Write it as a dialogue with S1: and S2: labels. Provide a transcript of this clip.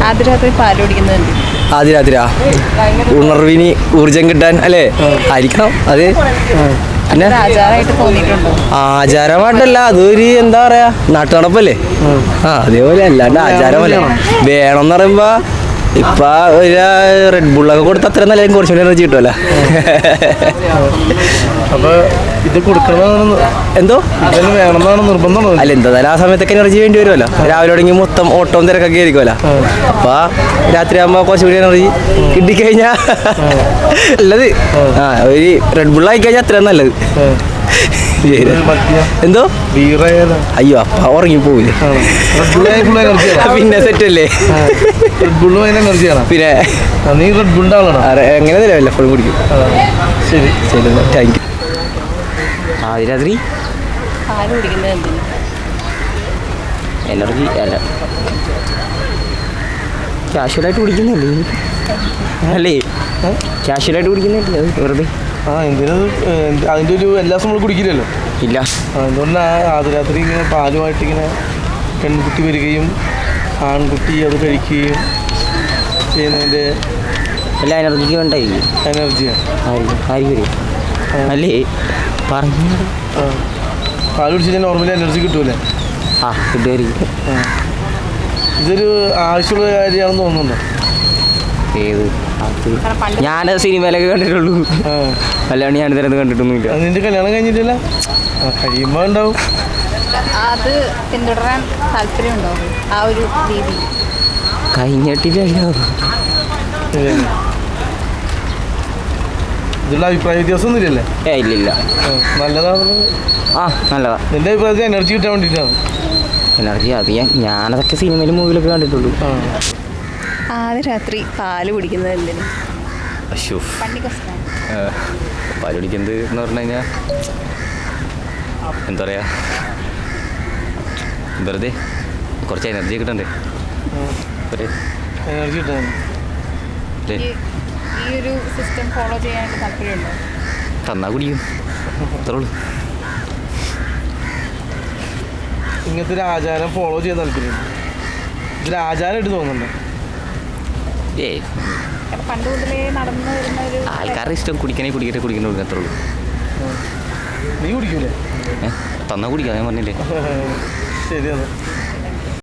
S1: ആദ്യ രാത്രി പാല് കുടിക്കുന്നത്
S2: ആദ്യ രാത്രിയാ ഉണർവിന് ഊർജം കിട്ടാൻ അല്ലേ? ആയിരിക്കണം അത്. പിന്നെ ആചാരമായിട്ടല്ല, അതൊരു എന്താ പറയാ നാട്ടുനടപ്പല്ലേ. അതേപോലെ അല്ലാണ്ട് ആചാരമല്ല. വേണമെന്ന് പറയുമ്പോ ഇപ്പൊ ഒരു റെഡ് ബുള്ളൊക്കെ കൊടുത്ത് അത്ര നല്ല കുറച്ചുകൂടി എനർജി കിട്ടുമല്ലോ.
S3: അപ്പൊ ഇത് കൊടുക്കണമെന്നാണ്
S2: എന്തോ
S3: വേണമെന്നാണ് നിർബന്ധം.
S2: അല്ല എന്തായാലും ആ സമയത്തൊക്കെ എനർജി വേണ്ടി വരുമല്ലോ. രാവിലെ തുടങ്ങി മൊത്തം ഓട്ടവും തിരക്കൊക്കെ ആയിരിക്കുമല്ലോ. അപ്പൊ രാത്രി ആകുമ്പോ കുറച്ചുകൂടി എനർജി കിട്ടിക്കഴിഞ്ഞാ നല്ലത്. ഒരു റെഡ് ബുള്ള് ആയി കഴിഞ്ഞാൽ അത്രയും നല്ലത്. എന്തോ അയ്യോ അപ്പ ഉറങ്ങി പോവില്ലേ, പിന്നെ സെറ്റല്ലേ. പിന്നെ എങ്ങനെ എപ്പോഴും കുടിക്കും. ശരി ശരി, താങ്ക് യു. ആദ്യ രാത്രി എനർജി അല്ല, കാഷ്വലായിട്ട് കുടിക്കുന്നില്ലേ? അല്ലേ കാഷ്വലായിട്ട് കുടിക്കുന്നില്ല വെറുതെ.
S3: അതിന്റെ ഒരു എല്ലാ ദിവസവും നമ്മൾ കുടിക്കില്ലല്ലോ.
S2: ഇല്ല,
S3: അതുകൊണ്ടാണ് ആദ്യ രാത്രി ഇങ്ങനെ പാലുമായിട്ട് ഇങ്ങനെ പെൺകുട്ടി വരികയും ആൺകുട്ടി അത് കഴിക്കുകയും ചെയ്യുന്നതിൻ്റെ
S2: എല്ലാ എനർജിക്ക് വേണ്ടായിരിക്കും.
S3: എനർജിയാണ്
S2: ആയിരിക്കും അല്ലേ പറഞ്ഞു.
S3: പാൽ കുടിച്ചാൽ നോർമലി എനർജി കിട്ടൂലേ?
S2: കിട്ടുമായിരിക്കും.
S3: ഇതൊരു ആവശ്യമുള്ള കാര്യമാണെന്ന് തോന്നുന്നുണ്ടോ?
S2: ഏത് ഞാനത് സിനിമയിലൊക്കെ കണ്ടിട്ടുള്ളൂ, അല്ലാണ്ട് ഞാൻ ഇതിനകത്ത് കണ്ടിട്ടൊന്നുമില്ല.
S3: നിന്റെ കല്യാണം കഴിഞ്ഞിട്ടില്ല? കഴിയുമ്പോൾ ഉണ്ടാവും.
S1: അത് പിന്തുടരാൻ താല്പര്യമുണ്ടോ ആ ഒരു രീതി?
S2: കഴിഞ്ഞിട്ടില്ലല്ലോ.
S3: ഇതിലുള്ള അഭിപ്രായ വ്യത്യാസം ഒന്നും ഇല്ലല്ലേ?
S2: ഇല്ലില്ല.
S3: നല്ലതാണ്.
S2: നല്ലതാ.
S3: നിന്റെ അഭിപ്രായത്തിൽ എനർജി കിട്ടാൻ വേണ്ടിയിട്ടാണ്.
S2: എനർജി അത് ഞാനതൊക്കെ സിനിമയിലും മൂവിലൊക്കെ കണ്ടിട്ടുള്ളൂ.
S1: ആദ്യ രാത്രി പാല് കുടിക്കുന്നത് എന്തിനു?
S2: പാല് കുടിക്കുന്നത് എന്ന് പറഞ്ഞു കഴിഞ്ഞാൽ എന്താ പറയുക, വെറുതെ കുറച്ച് എനർജി കിട്ടണ്ടേ.
S3: എനർജി കിട്ടാൻ
S1: ഈ ഒരു സിസ്റ്റം ഫോളോ ചെയ്യാനായിട്ട് താല്പര്യമുണ്ടോ?
S2: തന്നാ കുടിക്കും, അത്രേ ഉള്ളൂ.
S3: ഇങ്ങനത്തെ ഒരു ആചാരം ഫോളോ ചെയ്യാൻ താല്പര്യമുണ്ട്. ഇതിൽ ആചാരമായിട്ട് തോന്നുന്നുണ്ടോ?
S1: പണ്ട് മുതലേ നടന്നു വരുന്ന ഒരു
S2: ആൾക്കാരുടെ ഇഷ്ടം കുടിക്കണേ കുടിക്കണേ അത്രേ ഉള്ളൂ.
S3: നീ കുടിക്കൂലേ?
S2: തന്നാ കുടിക്കാം, ഞാൻ പറഞ്ഞില്ലേ.
S3: ശരിയാണ്.